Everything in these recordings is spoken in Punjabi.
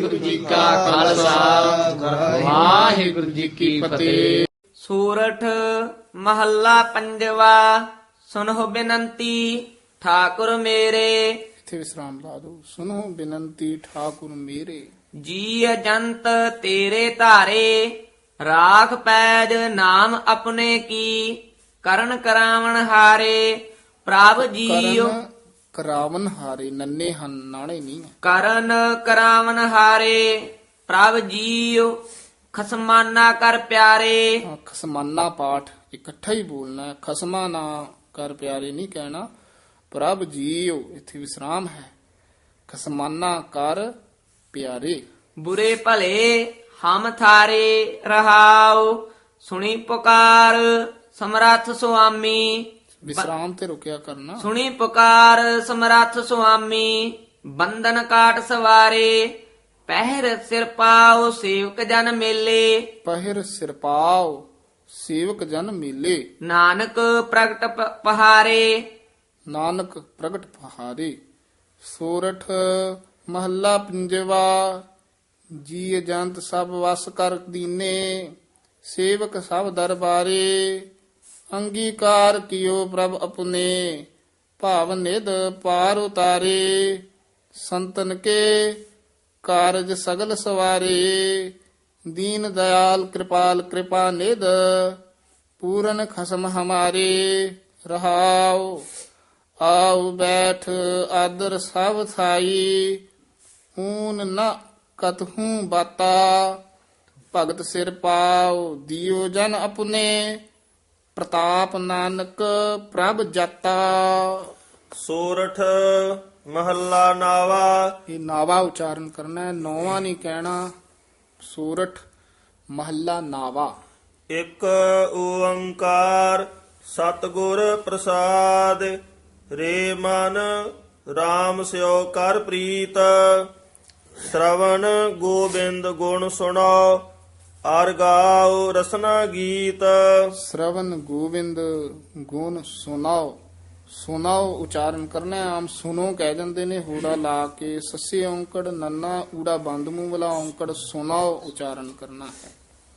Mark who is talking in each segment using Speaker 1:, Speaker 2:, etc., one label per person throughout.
Speaker 1: ਵਾਹਿਗੁਰੂ ਜੀ ਕਾ ਖਾਲਸਾ ਵਾਹਿਗੁਰੂ ਜੀ ਕੀ ਫਤਿਹ।
Speaker 2: ਸੂਰਠ ਮਹੱਲਾ ਪੰਜਵਾ। ਸੁਨਹੁ ਬਿਨੰਤੀ ਠਾਕੁਰ ਮੇਰੇ।
Speaker 1: ਇੱਥੇ ਵਿਸਰਾਮ ਲਾ ਦੋ। ਸੁਨੋ ਬੇਨੰਤੀ ਠਾਕੁਰ ਮੇਰੇ।
Speaker 2: ਜੀ ਅਜੰਤ ਤੇਰੇ ਧਾਰੇ ਰਾਖ ਪੈਜ ਨਾਮ ਆਪਣੇ ਕੀ। ਕਰਨ ਕਰਾਵਣ ਹਾਰੇ ਪ੍ਰਭ ਜੀਉ।
Speaker 1: ਕਰਨ ਕਰਾਵਨ ਹਾਰੇ ਨੰਨੇ ਹਨ ਨਾਣੇ ਨਹੀਂ ਹੈ।
Speaker 2: ਕਰਨ ਕਰਾਵਨ ਹਾਰੇ ਪ੍ਰਭ ਜੀਉ। ਖਸਮਾਨਾ ਕਰ ਪਿਆਰੇ।
Speaker 1: ਖਸਮਾਨਾ ਪਾਠ ਇਕੱਠਾ ਹੀ ਬੋਲਣਾ ਹੈ। ਖਸਮਾ ਨਾ ਕਰ ਪਿਆਰੇ ਨਹੀਂ ਕਹਿਣਾ। ਪ੍ਰਭ ਜੀਓ ਇੱਥੇ ਵਿਸਰਾਮ ਹੈ। ਖਸਮਾਨਾ ਕਰ ਪਿਆਰੇ।
Speaker 2: ਬੁਰੇ ਭਲੇ ਹਮ ਥਾਰੇ ਰਹਾਉ। ਸੁਣੀ ਪੁਕਾਰ ਸਮਰੱਥ ਸੁਆਮੀ।
Speaker 1: ਵਿਸਰਾਮ ਤੇ ਰੁਕਿਆ ਕਰਨਾ।
Speaker 2: ਸੁਣੀ ਪੁਕਾਰ ਸਮਰੱਥ ਸੁਆਮੀ। ਬੰਧਨ ਕਾਟ ਸਵਾਰੇ ਪਹਿਰ ਸਿਰ ਪਾਉ ਸੇਵਕ ਜਨ ਮੇਲੇ।
Speaker 1: ਪਹਿਰ ਸਿਰਪਾਉ ਸੇਵਕ ਜਨ ਮੇਲੇ।
Speaker 2: ਨਾਨਕ ਪ੍ਰਗਟ ਪਹਾਰੇ।
Speaker 1: ਨਾਨਕ ਪ੍ਰਗਟ ਪਹਾਰੇ। ਸੋਰਠ ਮਹੱਲਾ ਪੰਜਵਾ। ਜੀ ਜੰਤ ਸਭ ਵਸ ਕਰ ਦੀਨੇ ਸੇਵਕ ਸਭ ਦਰਬਾਰੇ। ਅੰਗੀਕਾਰ ਕੀਓ ਪ੍ਰਭ ਆਪਣੇ ਭਾਵ ਨਿਧ ਪਾਰ ਉਤਾਰੇ। ਸੰਤਨ ਕੇ ਕਾਰਜ ਸਗਲ ਸਵਾਰੇ। ਦੀਨ ਦਇਆਲ ਕਿਰਪਾਲ ਕਿਰਪਾ ਨਿਧ ਪੂਰਨ ਖਸਮ ਹਮਾਰੇ। ਰਹਾਉ ਆਉ ਬੈਠ ਆਦਰ ਸਭ ਥਾਈ। ਊਨ ਨ ਕਤਹੂ ਬਾਤਾ ਭਗਤ ਸਿਰ ਪਾਉ ਦਿਓ ਜਨ ਆਪਣੇ। ਪ੍ਰਤਾਪ ਨਾਨਕ ਪ੍ਰਭ ਜਾਤਾ।
Speaker 3: ਸੋਰਠ ਮਹੱਲਾ ਨਾਵਾ।
Speaker 1: ਇਹ ਨਾਵਾ ਉਚਾਰਨ ਕਰਨਾ ਹੈ। ਨੌਵਾਂ ਨਹੀਂ ਕਹਿਣਾ। ਸੋਰਠ ਮਹੱਲਾ ਨਾਵਾ।
Speaker 3: ਇੱਕ ਓੰਕਾਰ ਸਤਿਗੁਰ ਪ੍ਰਸਾਦ। ਰੇ ਮਨ RAM ਸਿਓ ਕਰ ਪ੍ਰੀਤ। ਸ਼ਰਵਣ ਗੋਬਿੰਦ ਗੁਣ ਸੁਣੋ ਅਰ ਗਾਓ ਰਸਨਾ ਗੀਤ।
Speaker 1: ਸ਼ਰਵਨ ਗੋਬਿੰਦ ਗੁਣ ਸੁਨਾਓ। ਸੁਨਾਓ ਉਚਾਰਨ ਕਰਨਾ ਹੈ। ਆਮ ਸੁਨੋ ਕਹਿ ਦਿੰਦੇ ਨੇ ਹੂੜਾ ਲਾ ਕੇ। ਸੱਸੇ ਔਂਕੜ ਨੰਨਾ ਊੜਾ ਬੰਦ ਮੂੰਹ ਵਾਲਾ ਔਂਕੜ ਸੁਨਾਓ ਉਚਾਰਨ ਕਰਨਾ ਹੈ।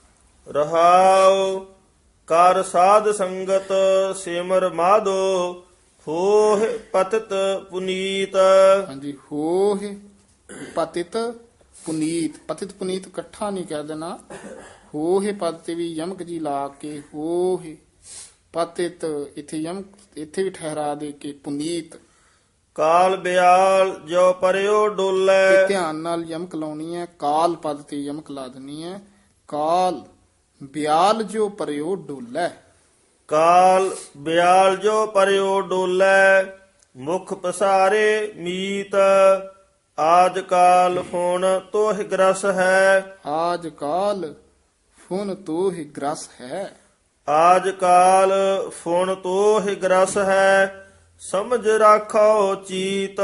Speaker 3: ਰਹਾਉ ਕਰ ਸਾਧ ਸੰਗਤ ਸਿਮਰ ਮਾਧੋ ਹੋਹ ਪਤਿਤ ਪੁਨੀਤ।
Speaker 1: ਹਾਂਜੀ ਹੋਹ ਪਤਿਤ ਪੁਨੀਤ। ਪਤਿਤ ਪੁਨੀਤ ਇਕੱਠਾ ਨਹੀਂ ਕਹਿ ਦੇਣਾ। ਹੋਹ ਪਦ ਤੇ ਵੀ ਯਮਕ ਜੀ ਲਾ ਕੇ ਹੋਹ ਪਤਿਤ ਇੱਥੇ ਯਮਕ ਇੱਥੇ ਵੀ ਠਹਿਰਾ ਦੇ ਕੇ ਪੁਨੀਤ।
Speaker 3: ਕਾਲ ਬਿਆਲ ਜੋ ਪਰਿਓ ਡੋਲੇ।
Speaker 1: ਤੇ ਧਿਆਨ ਨਾਲ ਯਮਕ ਲਾਉਣੀ ਹੈ। ਕਾਲ ਪਦ ਤੇ ਯਮਕ ਲਾ ਦੇਣੀ ਹੈ। ਕਾਲ ਬਿਆਲ ਜੋ ਪਰਿਓ ਡੋਲੇ।
Speaker 3: ਕਾਲ ਬਿਆਲ ਜੋ ਪਰਿਓ ਡੋਲੇ ਮੁਖ ਪਸਾਰੇ ਮੀਤ। ਆਜ ਕਾਲ ਹੁਣ ਤੋਹਿ ਗ੍ਰਸ ਹੈ।
Speaker 1: ਆਜ ਕਾਲ ਫੁਨ ਤੋਹਿ ਗ੍ਰਸ ਹੈ।
Speaker 3: ਆਜ ਕਾਲ ਫੁਣ ਤੋਹਿ ਗ੍ਰਸ ਹੈ। ਸਮਝ ਰਾਖੋ ਚੀਤ।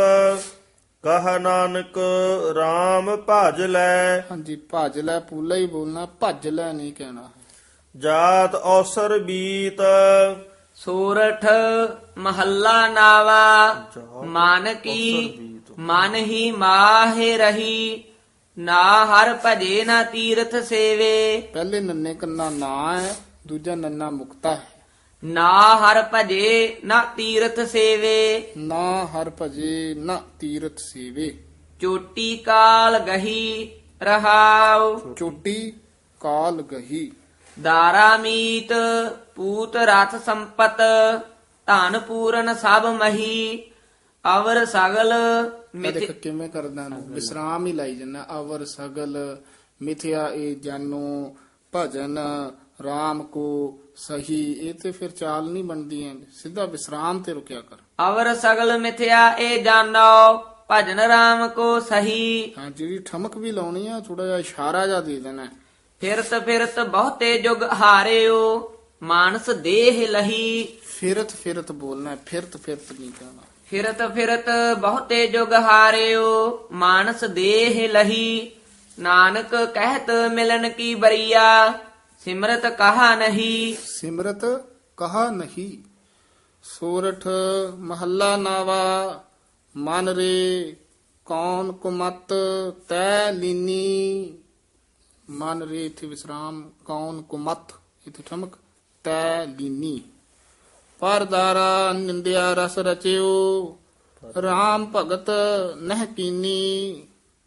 Speaker 3: ਕਹ ਨਾਨਕ RAM ਭਜ ਲੈ।
Speaker 1: ਹਾਂਜੀ ਭਜ ਲੈ ਪੂਲਾ ਹੀ ਬੋਲਣਾ। ਭੱਜ ਲੈ ਨਹੀਂ ਕਹਿਣਾ।
Speaker 3: ਜਾਤ ਔਸਰ ਬੀਤ।
Speaker 2: ਸੂਰਠ ਮਹੱਲਾ ਨਾਵਾ। ਮਨ ਕੀ ਮਨ ਹੀ ਮਾਹਿ ਰਹੀ। ਨਾ ਹਰ ਭਜੇ ਨਾ ਤੀਰਥ ਸੇਵੇ।
Speaker 1: ਪਹਿਲੇ ਨੰਨੇ ਕੰਨਾ ਨਾ ਹੈ। ਦੂਜਾ ਨੰਨਾ ਮੁਕਤਾ ਹੈ।
Speaker 2: ਨਾ ਹਰ ਭਜੇ ਨਾ ਤੀਰਥ ਸੇਵੇ।
Speaker 1: ਨਾ ਹਰ ਭਜੇ ਨਾ ਤੀਰਥ ਸੇਵੇ।
Speaker 2: ਚੋਟੀ ਕਾਲ ਗਹੀ ਰਹਾਉ।
Speaker 1: ਚੋਟੀ ਕਾਲ ਗਹੀ।
Speaker 2: ਦਾਰਾ ਮੀਤ ਪੂਤ ਰਥ ਸੰਪਤ। ਧਨ ਪੂਰਨ ਸਭ ਮਹੀ। ਅਵਰ ਸਗਲ
Speaker 1: ਇਹ ਦੇਖ ਕਿਵੇਂ ਕਰਦਾ ਨੂੰ ਵਿਸਰਾਮ ਹੀ ਲਾਈ ਜੰਨਾ। ਅਵਰ ਸਗਲ ਮਿਥਿਆ ਇਹ ਜਾਨੋ ਭਜਨ RAM ਕੋ ਸਹੀ। ਇਹ ਤੇ ਫਿਰ ਚਾਲ ਨਹੀਂ ਬਣਦੀ ਹੈ। ਸਿੱਧਾ ਵਿਸਰਾਮ ਤੇ ਰੁਕਿਆ ਕਰ।
Speaker 2: ਅਵਰ ਸਗਲ ਮਿਥਿਆ ਇਹ ਜਾਣੋ ਭਜਨ RAM ਕੋ ਸਹੀ।
Speaker 1: ਹਾਂ ਜਿਹੜੀ ਠਮਕ ਵੀ ਲਾਉਣੀ ਆ ਥੋੜਾ ਜਿਹਾ ਇਸ਼ਾਰਾ ਜਿਹਾ ਦੇ ਦੇਣਾ।
Speaker 2: ਫਿਰਤ ਫਿਰਤ ਬਹੁਤੇ ਜੁਗ ਹਾਰਿਓ ਮਾਨਸ ਦੇਹ ਲਹੀ।
Speaker 1: ਫਿਰਤ ਫਿਰਤ ਬੋਲਣਾ। ਫਿਰਤ ਫਿਰਤ ਨਹੀਂ ਕਹਿਣਾ।
Speaker 2: ਫਿਰਤ ਫਿਰਤ ਬਹੁਤੇ ਜੁਗ ਹਾਰਿਓ ਮਾਨਸ ਦੇਹ ਲਹੀ। ਨਾਨਕ ਕਹਿਤ ਮਿਲਨ ਕੀ ਬਰੀਆ ਸਿਮਰਤ ਕਹਾ ਨਹੀਂ।
Speaker 1: ਸਿਮਰਤ ਕਹਾ ਨਹੀਂ। ਸੋਰਠ ਮਹੱਲਾ ਨਾਵਾ। ਮਨ ਰੇ ਕੌਣ ਕੁਮਤ ਤੈ ਲੀਨੀ। ਮਨ ਰੇ ਇਥੇ ਵਿਸਰਾਮ, ਕੌਣ ਕੁਮਤ ਇਥੇ ਠਮਕ, ਤੈ ਲੀਨੀ। ਪਰਦਾਰਾ ਨਿੰਦਿਆ ਰਸ ਰਚਿਓ, ਰਾਮ ਭਗਤ ਨਹਿ ਕੀਨੀ।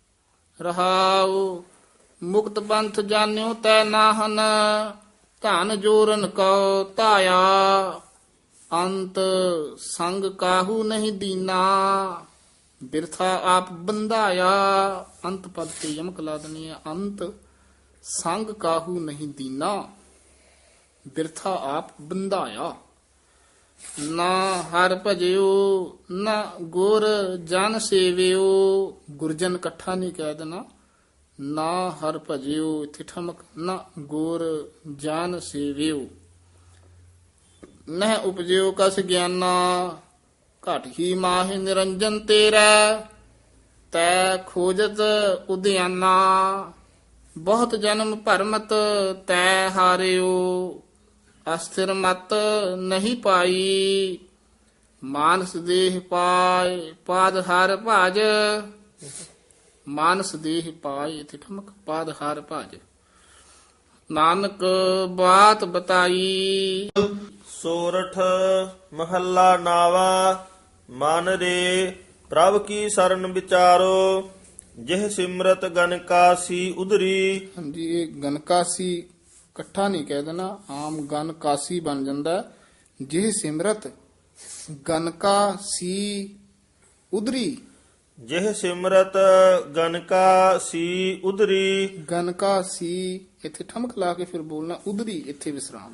Speaker 1: ਰਹਾਉ ਮੁਕਤ ਪੰਥ ਜਾਣਿਓ ਤੈ ਨਾਹਨ, ਧਨ ਜੋਰਨ ਕਉ ਧਾਇਆ। ਅੰਤ ਸੰਗ ਕਾਹੂ ਨਹੀਂ ਦੀਨਾ, ਬਿਰਥਾ ਆਪ ਬੰਧਾਇਆ। ਅੰਤ ਪਦ ਤੇ ਯਮਕ ਲਾ ਦੇਣੀ ਹੈ। ਅੰਤ ਸੰਗ ਕਾਹੂ ਨਹੀਂ ਦੀਨਾ, ਬਿਰਥਾ ਆਪ ਬੰਧਾਇਆ। ਨਾ ਹਰ ਭਜਿਓ ਨਾ ਗੁਰ ਜਨ ਸੇਵਿਓ। ਗੁਰਜਨ ਇਕੱਠਾ ਨਹੀਂ ਕਹਿ ਦੇਣਾ। ਨਾ ਹਰ ਭਜਿਓ ਇੱਥੇ ਠਮਕ, ਨਾ ਗੁਰ ਜਨ ਸੇਵਿਓ। ਨਹਿ ਉਪਜਿਓ ਕਸ ਗਿਆਨਾ, ਘਟ ਹੀ ਮਾਹਿ ਨਿਰੰਜਨ ਤੇਰਾ। ਤੈ ਖੋਜਤ ਉਦਿਆਨਾ, ਬਹੁਤ ਜਨਮ ਭਰਮਤ ਤੈ ਹਾਰਿਓ। ਅਸਥਿਰ ਮਤ ਨਹੀਂ ਪਾਈ, ਮਾਨਸ ਦੇਹ ਪਾਏ ਪਾਦ ਹਰ ਭਜ। ਮਾਨਸ ਦੇਹ ਪਾਏ ਇਥੇ ਠਮਕ, ਪਾਦ ਹਰ ਭਜ। ਨਾਨਕ ਬਾਤ ਬਤਾਈ।
Speaker 3: ਸੋਰਠ ਮਹੱਲਾ ਨਾਵਾ। ਮਨ ਰੇ ਪ੍ਰਭ ਕੀ ਸਰਨ ਵਿਚਾਰੋ, ਜਿਹ ਸਿਮਰਤ ਗਨਕਾਸੀ ਉਧਰੀ।
Speaker 1: ਹਾਂਜੀ, ਇਹ ਗਨਕਾਸੀ ਇਕੱਠਾ ਨਹੀਂ ਕਹਿ ਦੇਣਾ, ਆਮ ਗਨਕਾਸੀ ਬਣ ਜਾਂਦਾ। ਜਿਹ ਸਿਮਰਤ ਗਨਕਾ ਸੀ ਉਧਰੀ।
Speaker 3: ਜਿਹ ਸਿਮਰਤ ਗਨਕਾ ਸੀ ਉਧਰੀ।
Speaker 1: ਗਨਕਾ ਸੀ ਇੱਥੇ ਠਮਕ ਲਾ ਕੇ ਫਿਰ ਬੋਲਣਾ, ਉਧਰੀ ਇੱਥੇ ਵਿਸਰਾਮ।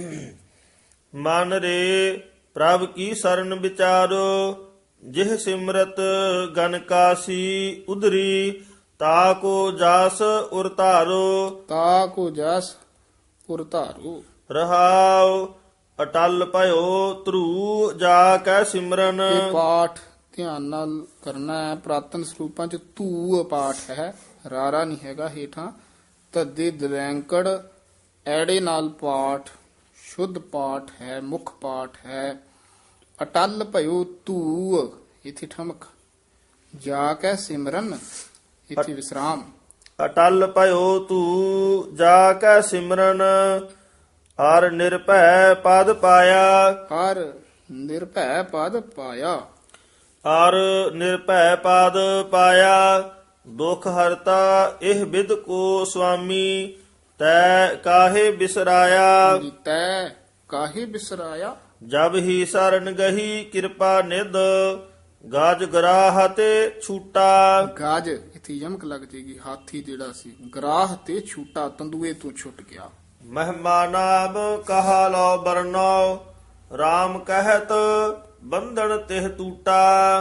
Speaker 3: ਮਨ ਰੇ ਪ੍ਰਭ ਕੀ ਸਰਨ ਵਿਚਾਰੋ, ਜਿਹ ਸਿਮਰਤ ਗਨਕਾ ਸੀ ਉਧਰੀ। ਤਾ ਕੋ ਜਾਸ ਉਰ ਧਾਰੋ,
Speaker 1: ਤਾ ਕੋ ਜਸ ਪੁਰ ਧਾਰੋ।
Speaker 3: ਰਹਾਉ ਅਟਲ ਭਇਓ ਧਰੂ ਜਾ ਕੈ ਸਿਮਰਨ।
Speaker 1: ਇਹ ਪਾਠ ਧਿਆਨ ਨਾਲ ਕਰਨਾ ਹੈ। ਪ੍ਰਾਤਨ ਸਰੂਪਾਂ ਚ ਧੂ ਪਾਠ ਹੈ, ਰਾਰਾ ਨਹੀਂ ਹੈਗਾ ਹੇਠਾਂ। ਤਦੇ ਦਰੈਂਕੜ ਐੜੇ ਨਾਲ ਪਾਠ ਸ਼ੁੱਧ ਪਾਠ ਹੈ, ਮੁੱਖ ਪਾਠ ਹੈ। ਅਟਲ ਭਇਓ ਧੂ ਇਥੇ ਠਮਕ, ਜਾ ਕੈ ਸਿਮਰਨ ਇਥੇ ਵਿਸਰਾਮ।
Speaker 3: ਅਟਲ ਭਇਓ ਤੂ ਜਾ ਕੈ ਸਿਮਰਨ, ਅਰ ਨਿਰਭੈ ਪਦ ਪਾਇਆ।
Speaker 1: ਹਰ ਨਿਰਭੈ ਪਦ ਪਾਇਆ।
Speaker 3: ਅਰ ਨਿਰਭੈ ਪਦ ਪਾਇਆ, ਦੁਖ ਹਰਤਾ ਇਹ ਬਿਦ ਕੋ ਸੁਆਮੀ। ਤੈ ਕਾਹੇ ਬਿਸਰਾਇਆ,
Speaker 1: ਤੈ ਕਾਹੇ ਬਿਸਰਾਇਆ।
Speaker 3: ਜਬ ਹੀ ਸਰਨ ਗਹੀ ਕਿਰਪਾ ਨਿਧ, ਗਜ ਗਰਾਹ ਤੇ ਛੂਟਾ।
Speaker 1: ਗਾਜ ਇਥੇ ਯਮਕ ਲੱਗ ਜੇਗੀ, ਹਾਥੀ ਜਿਹੜਾ ਸੀ ਗਰਾਹ ਤੇ ਛੂਟਾ, ਤੰਦੂਏ ਤੋਂ ਛੁੱਟ ਗਿਆ।
Speaker 3: ਮਹਿਮਾ ਨਾਮ ਕਹਾ ਲੋ ਬਰਨੋ, RAM ਕਹਿਤ ਬੰਧਨ ਤਿਹ ਟੂਟਾ।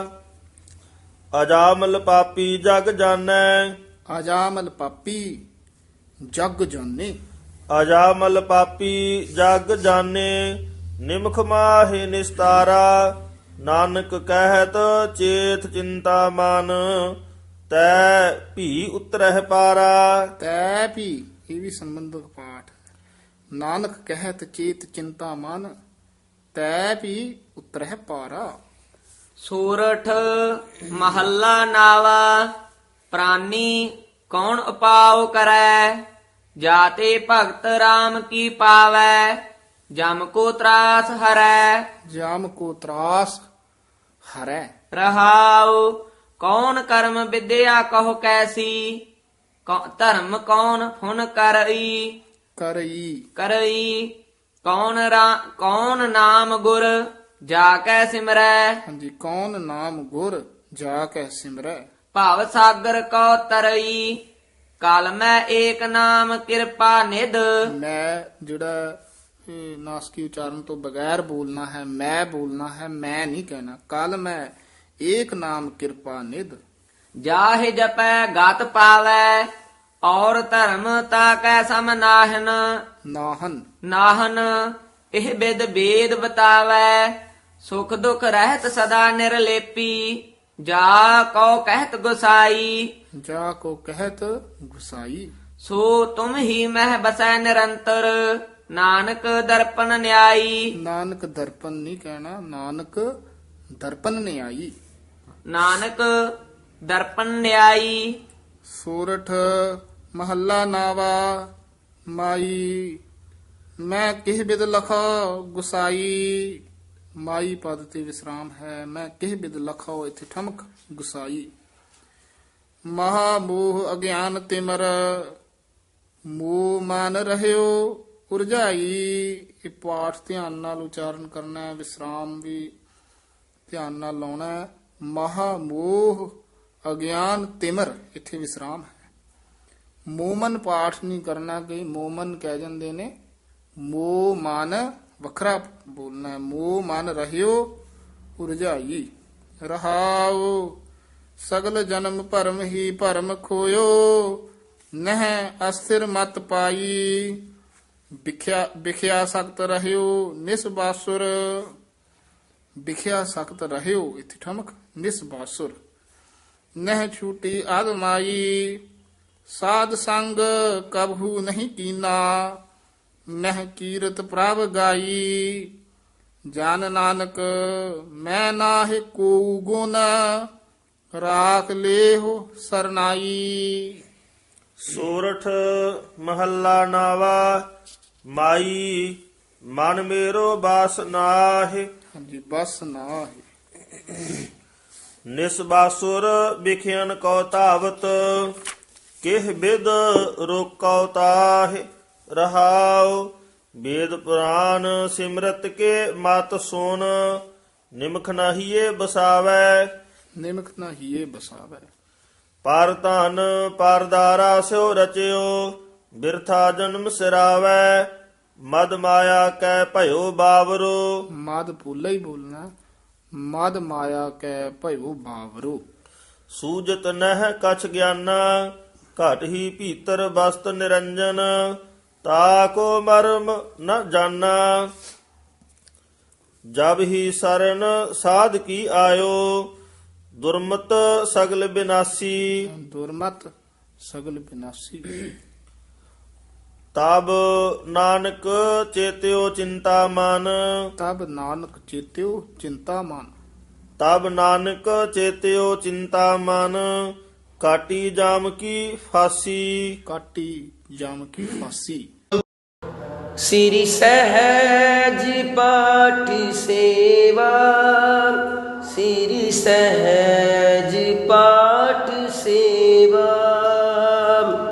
Speaker 3: ਅਜਾਮਲ ਪਾਪੀ ਜਗ ਜਾਣੈ,
Speaker 1: ਅਜਾਮਲ ਪਾਪੀ ਜਗ ਜਾਣੇ।
Speaker 3: ਅਜਾਮਲ ਪਾਪੀ ਜਗ ਜਾਣੇ, ਨਿਮਖ ਮਾਹਿ ਨਿਸਤਾਰਾ। ਨਾਨਕ ਕਹਿਤ ਚੇਤ ਚਿੰਤਾ ਮਨ, ਤੈ ਭੀ ਉਤਰਹਿ ਪਾਰਾ।
Speaker 1: ਤੈ ਵੀ ਇਹ ਵੀ ਸੰਬੰਧਕ ਪਾਠ। ਨਾਨਕ ਕਹਿਤ ਚੇਤ ਚਿੰਤਾ ਮਨ, ਤੈ ਵੀ ਉਤਰਹਿ ਪਾਰਾ।
Speaker 2: ਸੂਰਠ ਮਹੱਲਾ ਨਾਵਾ। ਪ੍ਰਾਨੀ ਕੌਣ ਉਪਾਉ ਕਰੈ, ਜਾਤੇ ਭਗਤ RAM ਕੀ ਪਾਵੈ। ਜਮ ਕੋ ਤਰਾਸ ਹਰੈ,
Speaker 1: ਜਾਮ ਕੋ ਤਰਾਸ ਹਰੈ।
Speaker 2: ਰਹਾਉ ਕੌਣ ਕਰਮ ਵਿਦਿਆ ਕਹੋ ਕੈਸੀ। ਧਰਮ ਕੌਣ ਹੁਨ ਕਰਈ, ਕਰਈ। ਕੌਣ ਨਾਮ ਗੁਰ ਜਾ ਕੈ ਸਿਮਰੈ।
Speaker 1: ਹਾਂਜੀ, ਕੌਣ ਨਾਮ ਗੁਰ ਜਾ ਕੇ ਸਿਮਰੈ।
Speaker 2: ਭਵ ਸਾਗਰ ਕੋ ਤਰਈ, ਕਲ ਮੈਂ ਏਕ ਨਾਮ ਕਿਰਪਾ ਨਿਧ।
Speaker 1: ਮੈਂ ਜਿਹੜਾ ਇਹ ਨਾਸਕੀ ਉਚਾਰਨ ਤੋਂ ਬਗੈਰ ਬੋਲਣਾ ਹੈ, ਮੈਂ ਬੋਲਣਾ ਹੈ, ਮੈਂ ਨਹੀਂ ਕਹਿਣਾ। ਕੱਲ ਮੈਂ ਏਕ ਨਾਮ ਕਿਰਪਾ ਨਿਧ।
Speaker 2: ਜਾਹਿ ਜਪੈ ਗਤ ਪਾਵੈ, ਔਰ ਧਰਮ ਤਾ ਕੈ ਸਮ ਨਾਹਨ। ਨਾਹਨ ਇਹ ਬਿਦ ਬੇਦ ਬਤਾਵੈ, ਸੁਖ ਦੁਖ ਰਹਿਤ ਸਦਾ ਨਿਰਲੇਪੀ। ਜਾ ਕਉ ਕਹਿਤ ਗੁਸਾਈ,
Speaker 1: ਜਾ ਕੋ ਕਹਿਤ ਗੁਸਾਈ।
Speaker 2: ਸੋ ਤੁਮ ਹੀ ਮਹਿ ਬਸੈ ਨਿਰੰਤਰ। ਨਾਨਕ ਦਰਪਨ ਨਿਆਈ,
Speaker 1: ਨਾਨਕ ਦਰਪਨ ਨਹੀਂ ਕਹਿਣਾ, ਨਾਨਕ ਦਰਪਨ ਨਿਆਈ।
Speaker 2: ਨਾਨਕ ਦਰਪਨ ਨਿਆਈ।
Speaker 1: ਸੋਰਠ ਮਹੱਲਾ ਨਾਵਾ। ਮਾਈ ਮੈਂ ਕਿਹ ਬਿਦ ਲਖਾ ਗੁਸਾਈ। ਮਾਈ ਪਦ ਤੇ ਵਿਸਰਾਮ ਹੈ। ਮੈਂ ਕਿਹ ਬਿਦ ਲਖਾਓ, ਇੱਥੇ ਠਮਕ ਗੁਸਾਈ। ਮਹਾ ਮੋਹ ਅਗਿਆਨ ਤਿਮਰ। ਮੋਹ ਮਨ ਰਹਿਓ ਉਰਜਾਈ। ਇਹ ਪਾਠ ਧਿਆਨ ਨਾਲ ਉਚਾਰਨ ਕਰਨਾ ਹੈ, ਵਿਸਰਾਮ ਵੀ ਧਿਆਨ ਨਾਲ ਲਾਉਣਾ ਹੈ। ਮਹਾ ਮੋਹ ਅਗਿਆਨ ਤਿਮਰ, ਇੱਥੇ ਵਿਸਰਾਮ ਹੈ। ਮੋਮਨ ਪਾਠ ਨਹੀਂ ਕਰਨਾ, ਕਿ ਮੋਮਨ ਕਹਿ ਜਾਂਦੇ ਨੇ। ਮੋਹ ਮਨ ਵੱਖਰਾ ਬੋਲਣਾ ਹੈ। ਮੋਹ ਮਨ ਰਹਿਓ ਉਰਜਾਈ। ਰਹਾਉ ਸਗਲ ਜਨਮ ਭਰਮ ਹੀ ਭਰਮ ਖੋਇਓ। ਨਹਿ ਅਸਥਿਰ ਮਤ ਪਾਈ। ਵਿਖਿਆ ਸਖਤ ਰਹਿਓ ਨਿਸਬਾਸੁਰ। ਵਿਖਿਆ ਸਖਤ ਰਹਿਓ, ਇੱਥੇ ਠਮਕ ਨਿਸਬਾਸੁਰ। ਨਹਿ ਛੂਟੀ ਆਦਮਾਈ। ਸਾਧ ਸੰਗ ਕਬਹੂ ਨਹੀਂ ਕੀਨਾ। ਨਹਿ ਕੀਰਤ ਪ੍ਰਭ ਗਾਈ। ਜਨ ਨਾਨਕ ਮੈਂ ਨਾਹਿ ਕੋ ਗੁਣ। ਰਾਖ ਲੇਹੁ ਸਰਨਾਈ।
Speaker 3: ਸੋਰਠ ਮਹੱਲਾ ਨਾਵਾ। ਮਾਈ ਮਨ ਮੇਰੋ ਬਾਸ ਨਾਹਿ।
Speaker 1: ਹਾਂਜੀ, ਬਸ ਨਾ ਹੈ।
Speaker 3: ਨਿਸਬਾਸੁਰ ਵਿਖਿਆਨ ਕਉ ਧਾਵਤ। ਕਿਹ ਬਿਦ ਰੋਕਉ ਤਾਹਿ। ਰਹਾਉ ਵੇਦ ਪੁਰਾਨ ਸਿਮਰਤ ਕੇ ਮਤ ਸੁਨ। ਨਿਮਖ ਨਾਹੀਏ ਬਸਾਵੈ।
Speaker 1: ਨਿਮਕ ਨਾ ਹੀਏ ਬਸਾਵੈ।
Speaker 3: ਪਰ ਧਨ ਪਰਦਾਰਾ ਸਿਓ ਰਚਿਓ। ਬਿਰਥਾ ਜਨਮ ਸਿਰਾਵੈ। ਮਦ ਮਾਇਆ ਕੈ ਭਇਓ ਬਾਵਰੋ।
Speaker 1: ਮਦ ਪੂਲਾ ਹੀ ਬੋਲਣਾ। ਮਦ ਮਾਇਆ ਕੈ ਭਇਓ ਬਾਵਰੋ।
Speaker 3: ਸੂਜਤ ਨਹਿ ਕਛ ਗਿਆਨਾ। ਘਟ ਹੀ ਭੀਤਰ ਬਸਤ ਨਿਰੰਜਨ। ਤਾਕੋ ਮਰਮ ਨ ਜਾਨਾ। ਜਬ ਹੀ ਸਰਨ ਸਾਧ ਕੀ ਆਇਓ। ਦੁਰਮਤ ਸਗਲ ਬਿਨਾਸੀ।
Speaker 1: ਦੁਰਮਤ ਸਗਲ ਬਿਨਾਸੀ।
Speaker 3: ਤਬ ਨਾਨਕ ਚੇਤਿਓ ਚਿੰਤਾ ਮਨ।
Speaker 1: ਤਬ ਨਾਨਕ ਚੇਤਿਓ ਚਿੰਤਾ ਮਨ।
Speaker 3: ਤਬ ਨਾਨਕ ਚੇਤਿਓ ਚਿੰਤਾ ਮਨ। ਕਾਟੀ ਜਾਮ ਕੀ ਫਾਸੀ।
Speaker 1: ਕਾਟੀ ਜਮ ਕੀ ਫਾਸੀ।
Speaker 4: ਸ੍ਰੀ ਸਹਿਜ ਪਾਠ ਸੇਵਾ। ਸ੍ਰੀ ਸਹਿਜ